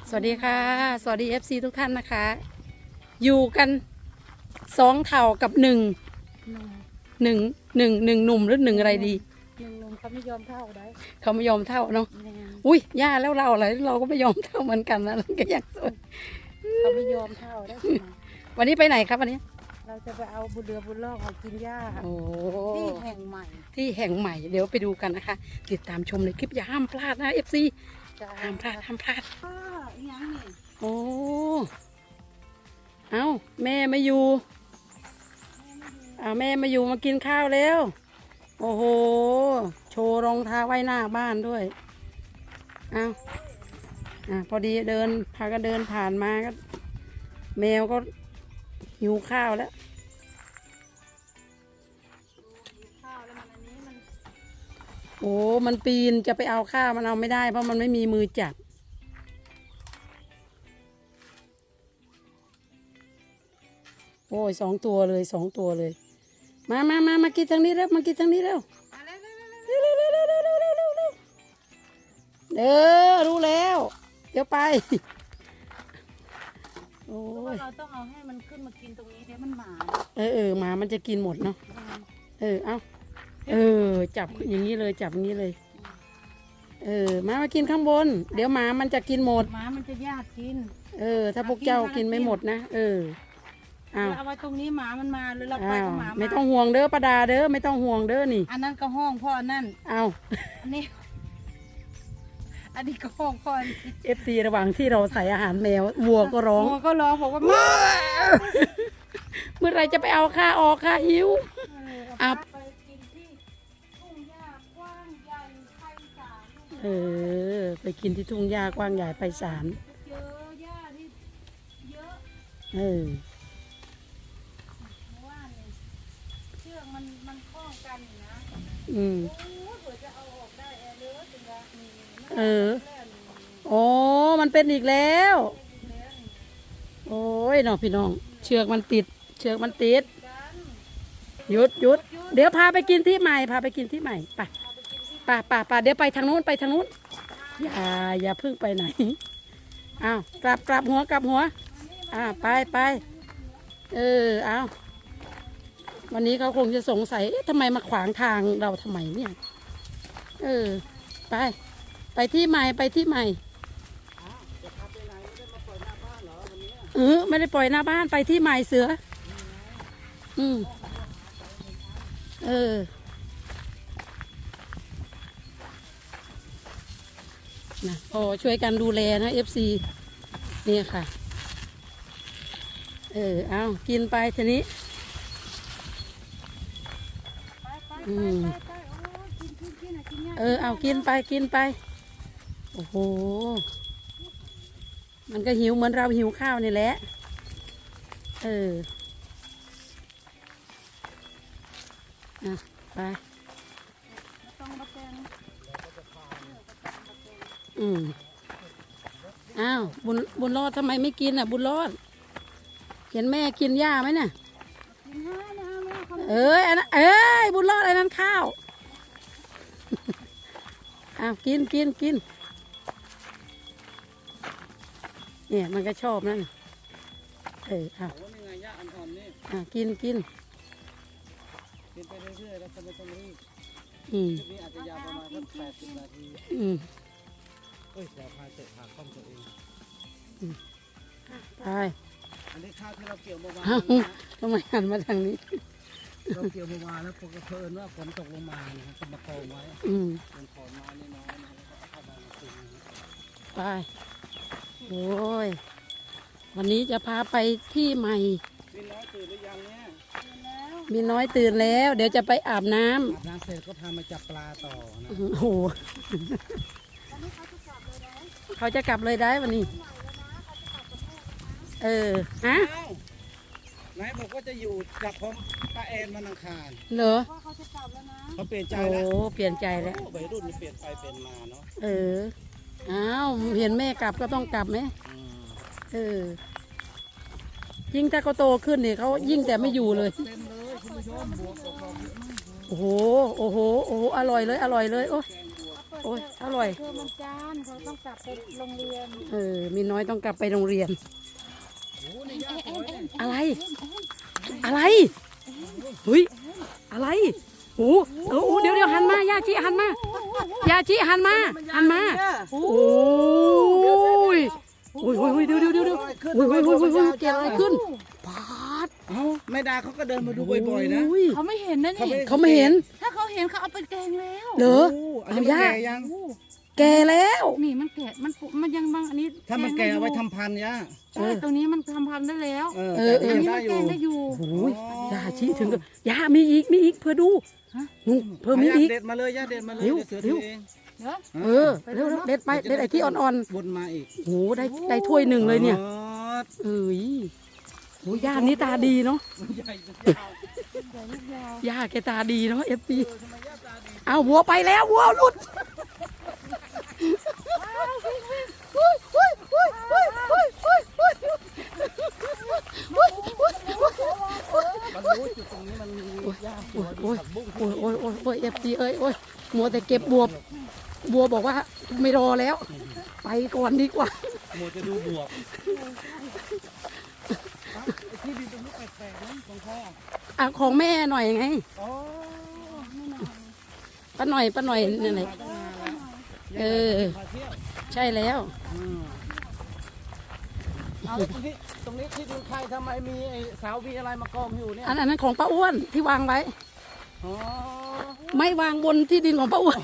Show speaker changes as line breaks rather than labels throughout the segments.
สวัสดีค่ะสวัสดี FC ทุกท่านนะคะอยู่กัน2เท่ากับ1 1 1 1 หนุ่มหรือ1อะไรดี
หนุ่มเขาไม่ยอมเท่าได้
เขาไม่ยอมเท่าเนาะอุ้ยย่าแล้วเราอะไรเราก็ไม่ยอมเท่าเหมือนกันนะเราก็อยากสวย
เขาไม่ยอมเท่าได้
วันนี้ไปไหนครับวันนี้
เราจะไปเอาบุญเรือบุญล่องมากินหญ้าที่แห่งใหม่
เดี๋ยวไปดูกันนะคะติดตามชมในคลิปอย่าห้ามพลาดนะ FC ห้ามพลาด
ยังนี่
โอ้เอาแม่มาอยู่แม่มาอยู่มากินข้าวแล้วโอ้โหโชว์รองเท้าไว้หน้าบ้านด้วยเอาพอดีพาก็เดินผ่านมาก็แมวก็หิวข้าวแล้วโอ้มันปีนจะไปเอาข้าวมันเอาไม่ได้เพราะมันไม่มีมือจับโอ้ย2 ตัวเลยมากินทางนี้แล้วมากินทางนี้แล้วรู้แล้วเดี๋ยวไปโอ้ย
เราต้องเอาให้มันขึ้นมากินตรงนี้เดี๋ยวมันหมา
หมามันจะกินหมดเนาะเอาจับอย่างนี้เลยจับอย่างนี้เลยมากินข้างบนเดี๋ยวหมามันจะกินหมด
หมามันจะยากกิน
ถ้าพวกเจ้ากินไม่หมดนะ
เอาไว้ตรงนี้หมามันมาหรือเราไปกับหมา
ไม่ต้องห่วงเด้อป้าดาเด้อไม่ต้องห่วงเด้อนี่
อันนั้นก็ห้องพ่อนั่นอันนี้ก็ห้องพ่อ
FC ระหว่างที่เราใส่อาหารแมววัวก็ร้อง
บอกว่า
เมื่อไรจะไปเอาข้าออกข้าหิว
ไปกินที่ทุ่งหญ้ากว้างใหญ่ไพศาล
ไปกินที่ทุ่งหญ้ากว้างใหญ่ไพศาล
เยอะหญ้าที่เยอะว่าเนี่ยเชือกมันคล้องกันนะเผื่อจะเอาออกได้เลือถึงว่า
โอ้มันเป็นอีกแล้วโอ้ยน้องพี่น้องเชือกมันติดหยุดเดี๋ยวพาไปกินที่ใหม่ไปเดี๋ยวไปทางนู้นอย่าเพิ่งไปไหนกลับหัวไปเอาวันนี้เขาคงจะสงสัยทำไมมาขวางทางเราทำไมเนี่ยไปที่ใหม่ไม่ได้ปล่อยหน้าบ้านไปที่ใหม่เสือนะพอช่วยกันดูแลนะ FC เนี่ยค่ะเอากินไปทีนี้เอากินไปโอ้โหมันก็หิวเหมือนเราหิวข้าวนี่แหละไปบุญรอดทำไมไม่กินบุญรอดเห็นแม่กินหญ้าไหมเนี่ยอันนั้นบุญรอดอันนั้นข้าวกินเนี่ยมันก็ชอบนั่นกิน
ไปเรื่อยๆแล้วก็ไม่ต้องรีบนี่อาจจะยาวประมาณสัก80 นาทีเดี๋ยวพาเสร็จพาคล่อมตัวเอง
ไป
อันนี้ข้าวที่เราเกี่ยวเมื่อวาน
ทำไมหันมาทางนี้
เราเกี่ยวเมื่อวานแล้วพอกระเพินว่าฝนตกลงมานะครับก็มากองไว้เป็นขอนไม้น้อยๆนะแล้วก็เอาเข้ามาคืน
ไปโอ้ยวันนี้จะพาไปที่ใหม่
มีน้อยตื่นหรือยังเนี่ย
มีน้อยตื่นแล้วเดี๋ยวจะไปอาบน้
ำเสร็จก็พามาจับปลาต่อนะ
โอ้โหเขาจะกลับเลยได้วันนี้
นายบอกว่าจะอยู่กับผมป้าแอนวันอังคาร
เหรอ
เขาเปลี่ยนใจแล้ว
เปลี่ยนใจแล้ว
วัยรุ่นเปลี่ยนไปเปลี่ยนมาเนาะ
เห็นแม่กลับก็ต้องกลับไหมยิ่งถ้าเขาโตขึ้นเนี่ยเขายิ่งแต่ไม่อยู่เลยโอ้โหอร่อยเลยโอ้โอ้ยอร่อย
เธอมันจานเขาต้องกลับไปโรงเรียน
มีน้อยต้องกลับไปโรงเรียน
โอ้นี่ย่าสวยเนี่ย
อะไร อะไรเฮ้ยอะไรโอ้โหเดี๋ยวหันมายาชิหันมายาชิหันมาโอ้ยโอ้ยเดี๋ยวโอ้ยเกิดอะไรขึ้นปาด
เอ้าแม่ดาเขาก็เดินมาดูบ่อยๆนะ
เขาไม่เห็นนะนี่
เขาไม่เห็น
ถ้าเขาเห็นเขาเอาไปแกงแล้ว
เหรอ
อันนี้มันแก่ยัง
แก่แล้ว
นี่มันแก่มันยังบางอันนี้
ถ้ามันแก่เอาไว้ทำพันธุ์ย่า
ใช่ตรงนี้มันทำพันธุ์ได้แล้ว
แต่
อัน
ยัง
นี้
ได้
มัน
อ
แก
ยู่
งได้อยู่
โอ้ยยาชิถึงกับยามีอีกเพื่อดูเพิ่มมี
ย่า
อีก
เด็ดมาเลยย่าเด็ดมาเลย
เร็ว
เดี๋ยวเสือถือเอง
เนาะ
เร็วเด็ดไปเด็ดไอ้ที่อ่อน
วนมาอีก
ๆโอ้ได้ถ้วยหนึ่งเลยเนี่ย
อ๋อ
เอ้ยโอ้ย่านี้ตาดีเนาะ
ใหญ่ยาว
ย่าแกตาดีเนาะเอฟซีเอาวัวไปแล้ววัวหลุด
มันรู้จุดตรงนี้มันมีหญ้าสวย
โอ้ย
ผักบุ้ง
โอ้ยเอฟซีเอ้ยโอ้ยมัวแต่เก็บบัวบอกว่าไม่รอแล้ว ไปก่อนดีกว่า
มัวจะดูบวกไอ้ที่ดินตรงนี้แปลกๆนะตรงข้อ
อ่ะของแม่หน่อยไง
อ๋อ
ป้าหน่อยนี่นแหละ
มาตั้งนานแล้ว
เออ
มาเที่ยว
ใช่แล้ว
เอาแล้วตรงนี้ที่ดินใครทำไมมีไอ้เสามีอะไรมากองอยู่เนี่ย
อันนั้นของป้าอ้วนที่วางไว้
อ๋อ
ไม่วางบนที่ดินของป้าอ้วน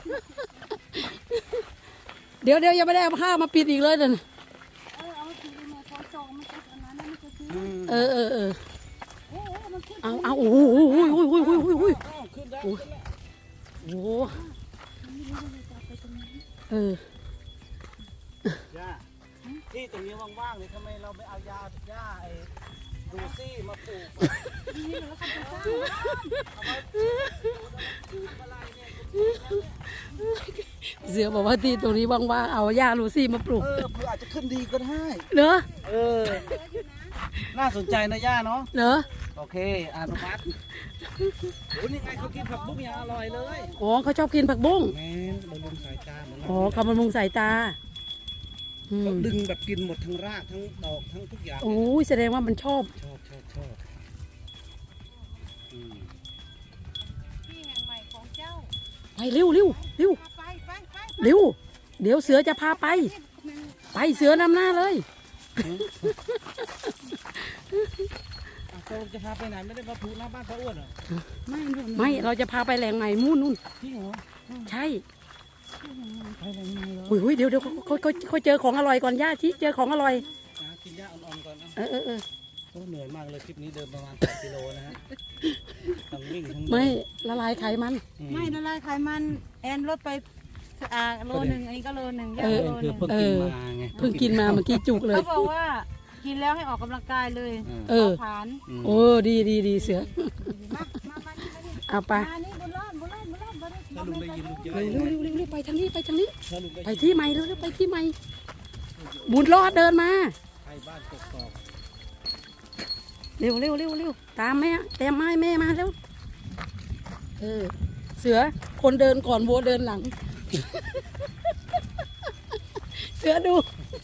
เดี๋ยวยังไม่ได้เอาผ้ามาปิดอีกเลยเดี๋ยวนะ
เอาทีมาขอจองมันจะอันนั้นมันจะซื้อ
เออ
มันขึ้น
เอาโอ้โห
ขึ้นได้
โอ้โหเออ
ย่าที่ตรงนี้ว่างๆเลยทำไมเราไม่เอาหญ้าไอ้ดูซี่มาปลูก
นี่แล้วก็ไปสร้าง
เอาไว้ปลูกอะไรเนี่ย
เสือบอกว่าที่ตรงนี้ว่างๆเอาหญ้าลูซี่มาปลูก
เผื่ออาจจะขึ้นดีก็ได้
เหรอ
น่าสนใจนะย่าเนาะ
เหรอ
โอเคอนุมัติโอ้นี่ไงเขากินผักบุ้งอย่างอร่อยเลย
อ๋อเขาชอบกินผักบุ้ง
แม่บำรุงสายตาเหมือน
อ๋อเขาบำรุงสายตาอื
เขา
ม
ดึงแบบกินหมดทั้งรากทั้งดอกทั้งทุกอย่าง
โอ้ยแสดงว่ามันชอบ
ชอบอืม
ที่แห่งใหม่ของเจ้า
ไปเร็ว
ไป
เร็ว เดี๋ยวเสือจะพาไป ไปเสือนำหน้าเลย
เราจะพาไปไหนไม่ได้มาพูหน้าบ้านพระอ้วนเหรอ
ไม่เราจะพาไปแหล่งใหม่นู่น
จริงเหรอ
ใช่
ไปไหนมาเหรอ
อุ้ยเดี๋ยวเขาเจอของอร่อยก่อนย่าชิเจอของอร่อย
กินหญ้าอ่อนๆก่อนนะ
เออ
โอ้เหนื่อยมากเลยคลิปนี้เดินประมาณ8 กิโลนะฮะทั้งวิ่งทั้งเดิน
ไม่ละลายไขมัน
ไม่ละลายไขมันแอนลดไปโลหนึ่งอันนี้ก็โลหนึ่งย่า
เออ
โลห
คือ
นึ่ง
เพิ่งกินมาไง
เพิ่งกินมาเมื่อกี้จุกเลย
เขาบอกว่ากินแล้วให้ออกกำลังกายเลย
เออ
ผาน
โอ้ดีเสือ
มานี่
เอาไป
มานี่บุญรอดบุญรอด
ถ้าลุงได้ยินลุงเยอะ
เร็วไปทางนี้
ถ้าลุงได้
ไป
ยิน
ที่ใหม่เร็วไปที่ใหม่บุญรอดเดินมา
ไปบ้านกกอก
เร็วตามแม่แต้มไม้แม่มาเร็วเสือคนเดินก่อนวัวเดินหลัง เสือดู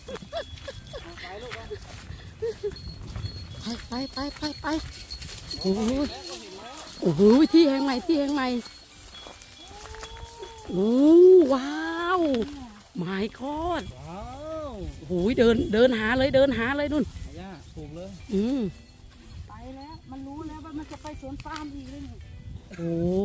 ไปโอ้โหที่แห่งใหม่โอ้ว้าวหมายกอด
ว้าว
โอ้โหเดินหาเลยนู่น
ย่าปลูกเลย
ไปแล้วมันรู้แล้วว่ามันจะไปสวนฟาร์มอีกเลยนี่
โอ้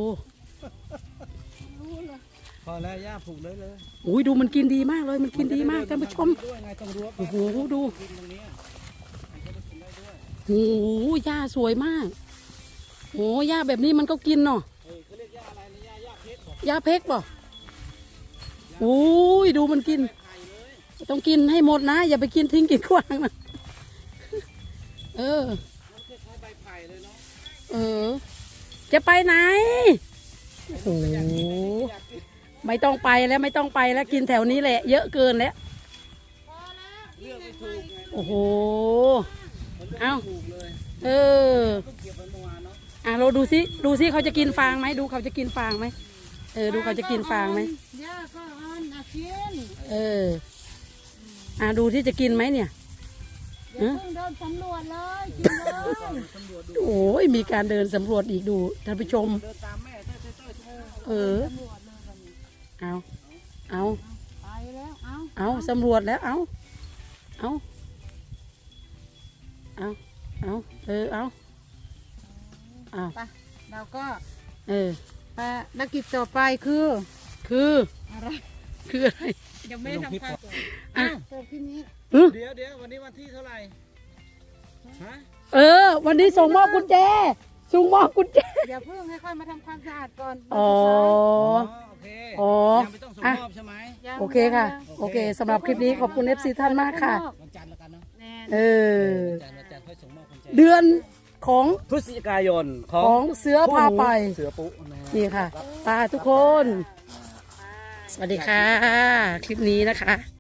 รู้เลย
พอแล้วย่าปลูกเลยเลย
โหดูมันกินดีมากเลยมันกินดีมากท่านผู้ชม
ด้วยไงต้องรั้ว
โอ้โหดู
กินตรงนี้มันก็ได้กินได้ด้วย
โอ้โหหญ้าสวยมากโอ้หญ้าแบบนี้มันก็กินเนาะ
เขาเรียกย่าอะไรนะย่าเพชรบอก
หญ้าเพกป่ะโอ้ยดูมันกิน
ไข่เลย
ต้องกินให้หมดนะ อย่าไปกินทิ้งกินขว้างนะเออ
มันคล้ายๆใบไผ่เลยเนาะ
เออ จะไปไหนโอ้โหไม่ต้องไปแล้วกินแถวนี้แหละ เยอะเกินแล้ว
เลือกไม่ถูกไง
โอ้โห
มันเลือก
เอ้า
ไม่ถูกเลย
เออ
ก็เก็บไว้เมื่อวานเนาะ
เราดูซิเขาจะกินฟางไหมดูเขาจะกินฟางไหมดูเขาจะกินฟางไหม
ย่าก็อ่อนกิน
ดูที่จะกินไหมเนี่ย
อย่าเพิ่งเดินสำรวจเลยกินเลย
สำรวจดู
โอ้ยมีการเดินสำรวจอีกดูท่านผู้ชม
เดินตามแม่เต้ยเต้ยเต้ย
เออ
สำรวจเลยวันนี้
เอา
ไปแล้วเอา
เอาสำรวจแล้วเอาเอาเอาเอาเอา
ไปเราก็
ภ
ารกิจต่อไปคือ
คือ
อะไร
คืออะไร
ยังไม่ได้ทำข้าว
อ่ะ
เปิดที่นี้
เดี๋ยววันนี้วันที่เท่าไหร่ฮะ
วันนี้ส่งมอบกุญแจส่งมอบกุญแจ
อย่าเพิ่งให้ค่อยมาทำความสะอาดก่อน
อ๋อ
โอเค
อ๋อ
ยังไม่ต้องส่งมอบใช่ไหม
ยัง
โอเคค่ะ โอเคสำหรับคลิปนี้ขอบคุณ FC ท่านมากค่ะ
วันจันทร์แล้วกันเนาะ
แน่
วันจันทร์ค่อยส่งมอบกุญแจ
เดือนของ
พฤศจิกายนข
ของเสือพาไป
เสือปุ๊นะฮะ
นี่ค่ะตาทุกคน สวัสดีค่ะ คลิปนี้นะคะ